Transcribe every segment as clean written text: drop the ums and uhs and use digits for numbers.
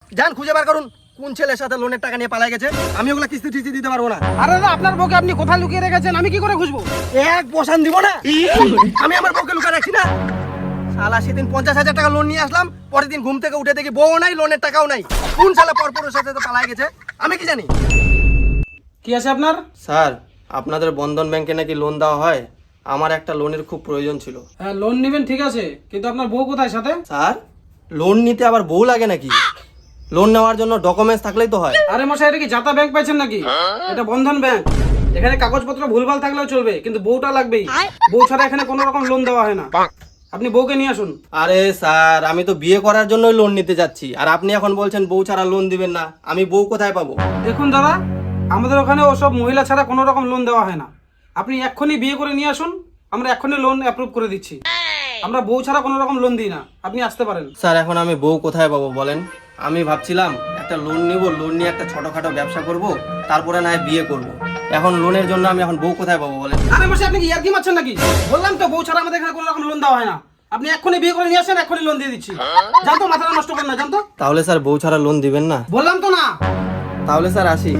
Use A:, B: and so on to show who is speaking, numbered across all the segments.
A: যান খুঁজে বার করুন কোন ছেলের সাথে লোনের টাকা নিয়ে পালাই গেছে। আমি ওগুলা কিস্তি টিস্তি দিতে পারবো না।
B: আরে দাদা, আপনার বউকে আপনি কোথায় লুকিয়ে রেখেছেন? আমি কি করে খুঁজবো?
A: এক বসান দিব না। আমি আমার বউকে লুকা রাখছি না। শালা সেদিন 50,000 টাকা লোন নিয়ে আসলাম, পরের দিন ঘুম থেকে উঠে দেখি বউ নাই, লোনের টাকাও নাই। কোন শালা পরপরের সাথে তো পালাই গেছে, আমি কি জানি।
B: কি আছে আপনার?
A: স্যার, আপনাদের বন্ধন ব্যাংকে নাকি লোন দেওয়া হয়। আমার একটা লোনের খুব প্রয়োজন ছিল।
B: হ্যাঁ, লোন নেবেন ঠিক আছে, কিন্তু আপনার বউ কোথায় সাথে?
A: স্যার, লোন নিতে আবার বউ লাগে নাকি? লোন নেওয়ার জন্য ডকুমেন্টস থাকলেই তো হয়।
B: আরে মশাই, এটা কি জাতা ব্যাংক পাইছেন নাকি? এটা বন্ধন ব্যাংক। এখানে কাগজপত্র ভুলভাল থাকলেও চলবে, কিন্তু বউটা লাগবেই। বউ ছাড়া এখানে কোনো রকম লোন দেওয়া হয় না। আপনি বউকে নিয়ে আসুন।
A: আরে স্যার, আমি তো বিয়ে করার জন্যই লোন নিতে যাচ্ছি, আর আপনি এখন বলছেন বউ ছাড়া লোন দিবেন না। আমি বউ কোথায় পাবো?
B: দেখুন দাদা, আমাদের ওখানে ওসব মহিলা ছাড়া কোনো রকম লোন দেওয়া হয় না। আপনি এক্ষুনি বিয়ে করে নিয়ে আসুন, আমরা এক্ষুনি লোন অ্যাপ্রুভ করে দিচ্ছি। আমরা বউ ছাড়া কোনো রকম লোন দিই না, আপনি আসতে পারেন।
A: স্যার, এখন আমি বউ কোথায় পাবো বলেন? আমি ভাবছিলাম একটা লোন নিব, লোন নিয়ে একটা ছোটখাটো ব্যবসা করব, তারপরে না হয় বিয়ে করব। এখন লোনের জন্য আমি এখন বউ কোথায় পাবো বলেন?
B: আরে মশাই, আপনি কি ইয়ার্কি মারছেন নাকি? বললাম তো বউ ছাড়া আমাদের এখানে কোনো রকম লোন দেওয়া হয় না। আপনি এক্ষুনি বিয়ে করে নিয়ে আসেন, এক্ষুনি লোন দিয়ে দিচ্ছি। জানতো, মাথাটা নষ্ট করেন না, জানতো।
A: তাহলে স্যার বউ ছাড়া লোন দিবেন না?
B: বললাম তো না।
A: তাহলে স্যার আসি।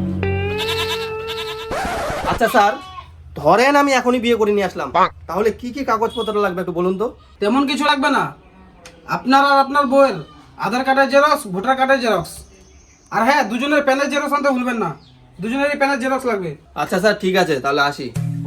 A: আচ্ছা স্যার, ধরেন আমি এখনই বিয়ে করে নিয়ে আসলাম, তাহলে কি কি কাগজপত্র লাগবে একটু বলুন তো।
B: তেমন কিছু লাগবে না। আপনার আর আপনার বউয়ের আধার কার্ডের জেরক্স, ভোটার কার্ডের জেরক্স, আর হ্যাঁ, দুজনের প্যানের জেরক্স আনতে ভুলবেন না। দুজনেরই প্যানের জেরক্স লাগবে।
A: আচ্ছা স্যার, ঠিক আছে, তাহলে আসি।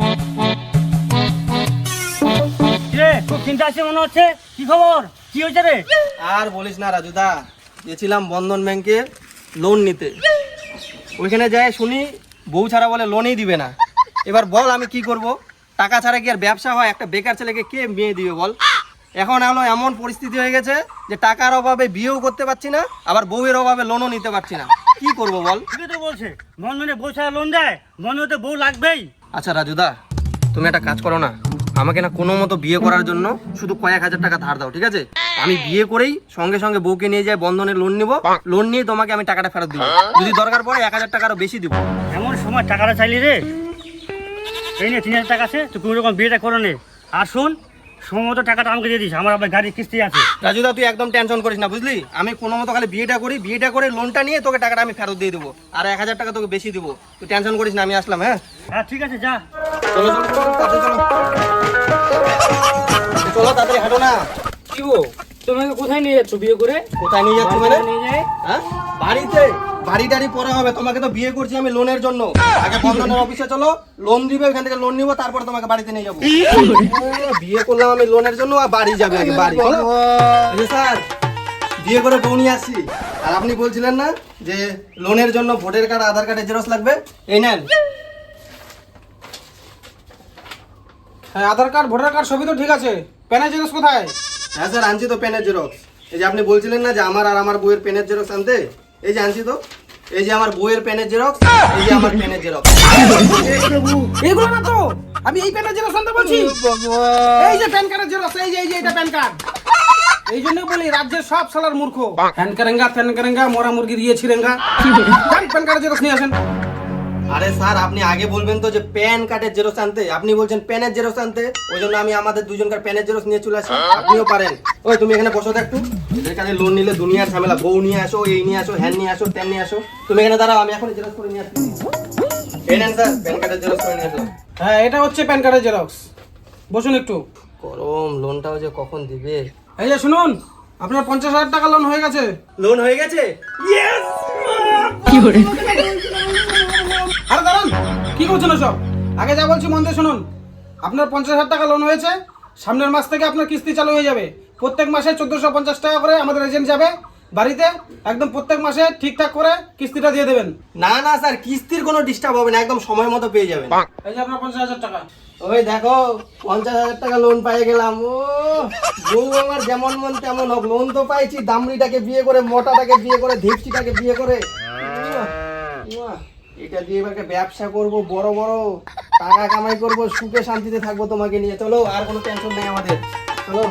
C: রে, খুব চিন্তা আছে মনে হচ্ছে। কি খবর? কি হয়েছে রে?
A: আর বলিস না রাজুদা, গেছিলাম বন্ধন ব্যাংকে লোন নিতে। ওইখানে যাই শুনি বউ ছাড়া বলে লোনই দিবে না। এবার বল আমি কি করব? টাকা ছাড়া কি আর ব্যবসা হয়? একটা বেকার ছেলেকে কে মেয়ে দিবে বল? এখন হলো এমন পরিস্থিতি হয়ে গেছে যে টাকার অভাবে বিয়েও করতে পারছি না, আবার বউয়ের অভাবে লোনও নিতে পারছি না। কি করব বল?
C: ঠিকই তো বলছে, বন্ধনে বউ ছাড়া লোন দেয়, বন্ধনে তো বউ লাগবেই।
A: আচ্ছা রাজুদা, তুমি একটা কাজ করো না, আমাকে না কোনো মতো বিয়ে করার জন্য শুধু কয়েক হাজার টাকা ধার দাও, ঠিক আছে? আমি বিয়ে করেই সঙ্গে সঙ্গে বউকে নিয়ে যাই বন্ধনের লোন নিব, লোন নিয়ে তোমাকে আমি টাকাটা ফেরত দিব। যদি দরকার পড়ে 1,000 টাকারও বেশি দিব।
C: এমন সময় টাকাটা চাইলি রে। এই নে 3,000 টাকা আছে, তুই কোনো রকম বিয়েটা করে নে। আর শোন, সময় মতো টাকাটা আমাকে দিয়ে দিস, আমার আবার গাড়ির কিস্তি আছে।
A: রাজুদা, তুই একদম টেনশন করিস না, বুঝলি? আমি কোনো মতো খালি বিয়েটা করে লোনটা নিয়ে তোকে টাকাটা আমি ফেরত দিয়ে দেবো, আর 1,000 টাকা তোকে বেশি দিব। তুই টেনশন করিস না, আমি আসলাম। হ্যাঁ
C: হ্যাঁ ঠিক আছে, যা।
A: চলো চলো চলো, তাড়াতাড়ি চলো। চলো তাড়াতাড়ি, হাঁটো না।
B: কি গো, তোমাকে কোথায় নিয়ে যাচ্ছ বিয়ে করে?
A: কোথায় নিয়ে যাচ্ছি মানে?
B: নিয়ে যায়।
A: হ্যাঁ, বাড়িতে। বাড়ি টাড়ি পরে হবে, তোমাকে তো বিয়ে করছি আমি লোনের জন্য। আগে বন্ধনের অফিসে চলো, লোন দিবে, ওখান থেকে লোন নিবো, তারপরে তোমাকে বাড়িতে নিয়ে যাবো। বিয়ে করলাম আমি লোনের জন্য, আর বাড়ি যাবে আগে, বাড়ি। চলো। এই যে স্যার, বিয়ে করে বউ নিয়ে আসছি। আর আপনি বলছিলেন না যে লোনের জন্য ভোটার কার্ড, আধার কার্ডের জেরক্স লাগবে? এই নেন।
B: হ্যাঁ, আধার কার্ড, ভোটার কার্ড সবই তো ঠিক আছে। প্যানের জেরক্স কোথায়?
A: হ্যাঁ স্যার, আনছি তো পেনের জেরক্স। এই যে আপনি বলছিলেন না যে আমার আর আমার বউয়ের পেনের জেরক্স আনতে, এই যে আনছি তো। এই যে আমার বউয়ের পেনের জেরক্স, এই যে আমার পেনের জেরক্স।
B: এগুলো না তো, আমি এই প্যানের জেরক্স আনতে বলছি। এই যে প্যান কার্ডের জেরক্স, এই যে এটা প্যান কার্ড। এই জন্য বলি রাজ্যের সব সালার মূর্খ। ফ্যান কারেঙ্গা মোরা মুরগি দিয়ে ছিরেঙ্গা। যান, প্যান কার্ডের জেরক্স নিয়ে আসেন।
A: আরে স্যার, আপনি আগে বলবেন তো যে প্যান কার্ডের জেরক্স আনতে, আপনি বলছেন প্যানের জেরক্স আনতে। ওই জন্য আমি আমাদের দুজনকার প্যানের জেরক্স নিয়ে চলে আসি। আপনিও পারেন। ওই তুমি এখানে বসো তো একটু। এখানে লোন নিলে দুনিয়ার ঝামেলা, বউ নিয়ে আসো, এই নিয়ে আসো, হ্যান নিয়ে আসো, ত্যান নিয়ে আসো। তুমি এখানে দাঁড়াও, আমি এখন জেরক্স করে নিয়ে আসছি। এই নেন স্যার, প্যান কার্ডের জেরক্স করে নিয়ে আসলাম।
B: হ্যাঁ, এটা হচ্ছে প্যান কার্ডের জেরক্স। বসুন একটু।
A: গরম, লোনটাও যে কখন দিবে।
B: এই যে শুনুন, আপনার 50,000 টাকা লোন হয়ে গেছে।
A: লোন হয়ে গেছে?
B: আরে দাঁড়ান, কি করছেন সব? আগে যা বলছি মন দিয়ে শুনুন। আপনার 50,000 টাকা লোন হয়েছে। সামনের মাস থেকে আপনার কিস্তি চালু হয়ে যাবে। প্রত্যেক মাসে 1450 টাকা করে আমাদের এজেন্ট যাবে বাড়িতে, একদম প্রত্যেক মাসে ঠিকঠাক করে কিস্তিটা দিয়ে দেবেন।
A: না না স্যার, কিস্তির কোনো ডিস্টার্ব হবে না, একদম সময় মতো পেয়ে যাবেন।
B: এই যে আপনার 50,000 টাকা।
A: ওই দেখো, 50,000 টাকা লোন পেয়ে গেলাম। ও বউ আমার যেমন মন তেমন হোক, লোন তো পাইছি। দামড়িটাকে বিয়ে করে, মোটাটাকে বিয়ে করে, ধীপসিটাকে বিয়ে করে। উয়া, এটা দিয়ে এবার ব্যবসা করব, বড় বড় টাকা কামাই করব, সুখে শান্তিতে থাকবো তোমাকে নিয়ে। চলো, আর কোনো টেনশন নেই আমাদের। চলো।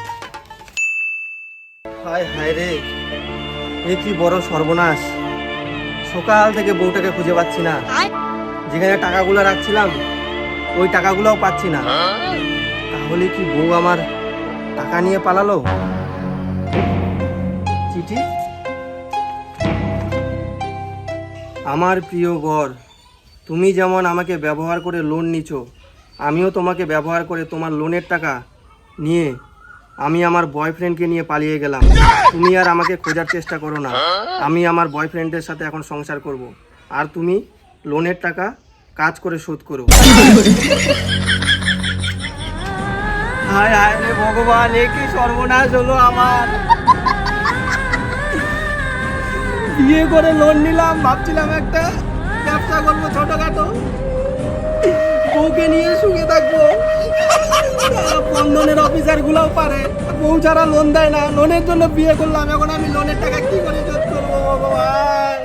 A: হায় হায় রে, এ কি বড় সর্বনাশ! সকাল থেকে বউটাকে খুঁজে পাচ্ছি না। যেখানে টাকাগুলো রাখছিলাম ওই টাকাগুলোও পাচ্ছি না। তাহলে কি বউ আমার টাকা নিয়ে পালালো? চিঠি, আমার প্রিয় বর, তুমি যেমন আমাকে ব্যবহার করে লোন নিছো, আমিও তোমাকে ব্যবহার করে তোমার লোনের টাকা নিয়ে আমি আমার বয়ফ্রেন্ডকে নিয়ে পালিয়ে গেলাম। তুমি আর আমাকে খোঁজার চেষ্টা করো না। আমি আমার বয়ফ্রেন্ডের সাথে এখন সংসার করব। আর তুমি লোনের টাকা কাজ করে শোধ করো। হায় হায় রে ভগবান, এ কি সর্বনাশ হলো আমার। বিয়ে করে লোন নিলাম, ভাবছিলাম একটা ব্যবসা করবো ছোটখাটো, বউকে নিয়ে সুখে থাকবো। বন্ধনের অফিসার গুলাও পারে, বউ ছাড়া লোন দেয় না। লোনের জন্য বিয়ে করলাম, এখন আমি লোনের টাকা কি করে শোধ করবো ভগবান।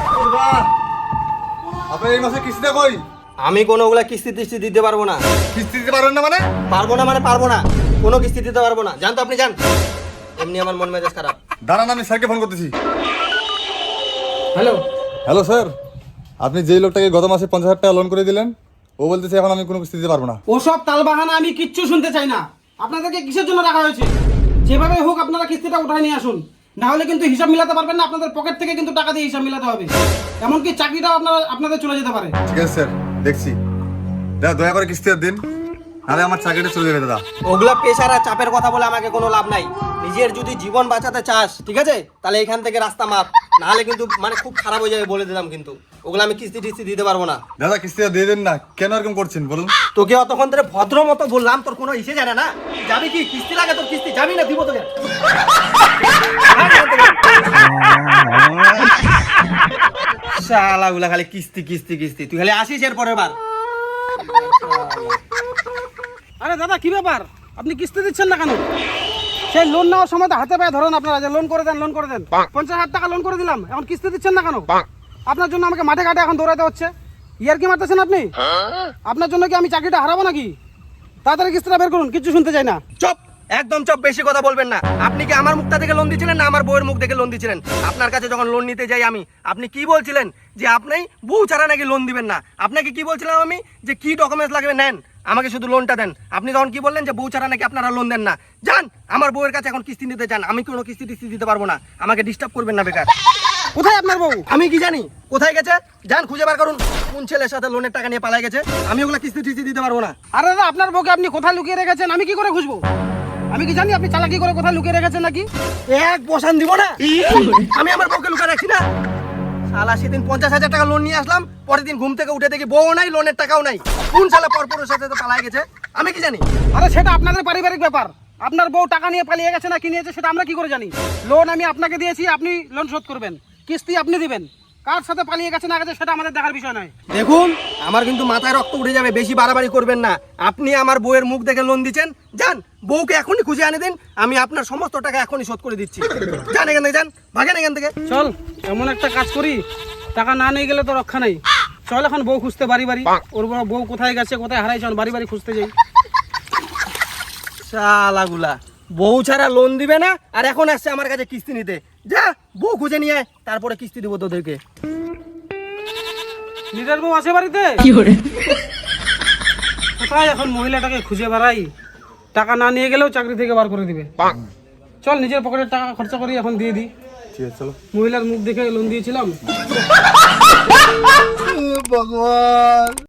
D: আপনার এই মাসে কিস্তিটা কই?
A: আমি কোনো ওগুলা কিস্তি টিস্তি দিতে পারবো না।
D: কিস্তি দিতে পারবেন না মানে?
A: পারবো না মানে পারবো না, কোনো কিস্তি দিতে পারবো না। জান তো আপনি যান, এমনি আমার মন মেজাজ খারাপ।
D: দাঁড়ান, আমি স্যারকে ফোন করতেছি।
B: হ্যালো,
D: হ্যালো স্যার, আপনি যেই লোকটাকে গত মাসে 50,000 টাকা লোন করে দিলেন, ও বলতেছে এখন আমি কোনো কিস্তি দিতে পারবো না।
B: ওসব তালবাহানা আমি কিচ্ছু শুনতে চাই না। আপনাদেরকে কিসের জন্য রাখা হয়েছে? যেভাবে হোক আপনারা কিস্তিটা উঠায় নিয়ে আসুন, না হলে কিন্তু হিসাব মিলাতে পারবেন না। আপনাদের পকেট থেকে কিন্তু টাকা দিয়ে হিসাব মিলাতে হবে, এমনকি চাকরিটাও আপনাদের চলে যেতে পারে।
D: ঠিক আছে স্যার, দেখছি। দাদা দয়া করে কিস্তি দিন, নাহলে আমার চাকরিটা চলে যাবে দাদা।
A: ওগুলা পেশার আর চাপের কথা বলে আমাকে কোনো লাভ নাই। নিজের যদি জীবন বাঁচাতে চাস, ঠিক আছে, তাহলে এখান থেকে রাস্তা মাপ, নাহলে কিন্তু মানে খুব খারাপ হয়ে যাবে বলে দিলাম। কিন্তু ওগুলো আমি কিস্তি টিস্তি দিতে পারবো না।
D: দাদা কিস্তিটা দিয়ে দেন না, কেন এরকম করছেন বলুন?
A: তোকে অতক্ষণ ধরে ভদ্র মতো বললাম, তোর কোনো ইসে জানে না। যাবি কি? কিস্তি লাগে তোর, কিস্তি যাবি না, দিব তোকে। শালাগুলা খালি কিস্তি কিস্তি কিস্তি, তুই খালি আসিস এর পরের বার।
B: আরে দাদা, কি ব্যাপার? আপনি কিস্তি দিচ্ছেন না কেন? সেই লোন নেওয়ার সময় তো হাতে পায়ে ধরেন আপনারা, যে লোন করে দেন, লোন করে দেন। 50,000 টাকা লোন করে দিলাম, এখন কিস্তি দিচ্ছেন না কেন? আপনার জন্য আমাকে মাঠে ঘাটে এখন দৌড়াতে হচ্ছে। ইয়ার কি মারতেছেন আপনি? আপনার জন্য কি আমি চাকরিটা হারাবো নাকি? তাড়াতাড়ি কিস্তিটা বের করুন, কিচ্ছু শুনতে চাই না।
A: চুপ, একদম চুপ, বেশি কথা বলবেন না। আপনি কি আমার মুখটা থেকে লোন দিয়েছিলেন না আমার বউয়ের মুখ থেকে লোন দিয়েছিলেন? আপনার কাছে যখন লোন নিতে যাই আমি, আপনি কি বলছিলেন যে আপনি বউ ছাড়া নাকি লোন দিবেন না? আপনাকে কি বলছিলাম আমি যে কি ডকুমেন্টস লাগবে নেন, আমাকে শুধু লোনটা দেন। আপনি তখন কি বললেন যে বউ ছাড়া নাকি আপনারা লোন দেন না। যান আমার বউয়ের কাছে এখন কিস্তি নিতে চান, আমি কোনো কিস্তি টিস্তি দিতে পারবো না। আমাকে ডিস্টার্ব করবেন না বেকার।
B: কোথায় আপনার বউ?
A: আমি কি জানি কোথায় গেছে? যান খুঁজে বার করুন, কোন ছেলের সাথে লোনের টাকা নিয়ে পালাই গেছে। আমি ওগুলা কিস্তি টিস্তি দিতে পারবো না।
B: আরে দাদা, আপনার বউকে আপনি কোথায় লুকিয়ে রেখেছেন আমি কি করে খুঁজবো? আমি কি জানি আপনি চালাকি করে কোথায় লুকিয়ে রেখেছেন নাকি?
A: এক বসান দিব না, আমি আমার বউকে লুকা রাখছি না। শালা সেদিন 50,000 টাকা লোন নিয়ে আসলাম, পরের দিন ঘুম থেকে উঠে দেখি বউ নাই, লোনের টাকাও নাই। কোন শালা পরপরের সাথে তো পালাই গেছে, আমি কি জানি?
B: আরে সেটা আপনাদের পারিবারিক ব্যাপার। আপনার বউ টাকা নিয়ে পালিয়ে গেছে না কি নিয়েছে সেটা আমরা কি করে জানি? লোন আমি আপনাকে দিয়েছি, আপনি লোন শোধ করবেন, কিস্তি আপনি দিবেন। কার সাথে পালিয়ে গেছে না গেছে সেটা আমাদের দেখার বিষয় নয়।
A: দেখুন, আমার কিন্তু মাথায় রক্ত উঠে যাবে, বেশি বাড়াবাড়ি করবেন না। আপনি আমার বউয়ের মুখ দেখে লোন দিচ্ছেন, যান বউকে এখনই খুঁজে আনে দিন, আমি আপনার সমস্ত টাকা এখনই শোধ করে দিচ্ছি। যান এখান থেকে, যান, ভাগেন এখান থেকে।
B: চল, এমন একটা কাজ করি, টাকা না নিয়ে গেলে তো রক্ষা নেই। চল এখন বউ খুঁজতে বাড়ি বাড়ি, ওর বড় বউ কোথায় গেছে কোথায় হারাইছে, বাড়ি বাড়ি খুঁজতে যাই।
A: শালাগুলা বউ ছাড়া লোন দিবে না, আর এখন আসছে আমার কাছে কিস্তি নিতে। যা বউ খুঁজে নিয়ে আয়, তারপরে কিস্তি দেবো তোদেরকে।
B: নিজের বউ আছে বাড়িতে? কোথায় এখন মহিলাটাকে খুঁজে বেড়াই? টাকা না নিয়ে গেলেও চাকরি থেকে বার করে দিবে। চল নিজের পকেটের টাকা খরচা করি, এখন দিয়ে দিই।
D: ঠিক আছে চলো।
B: মহিলার মুখ দেখে লোন দিয়েছিলাম।
D: ভগবান।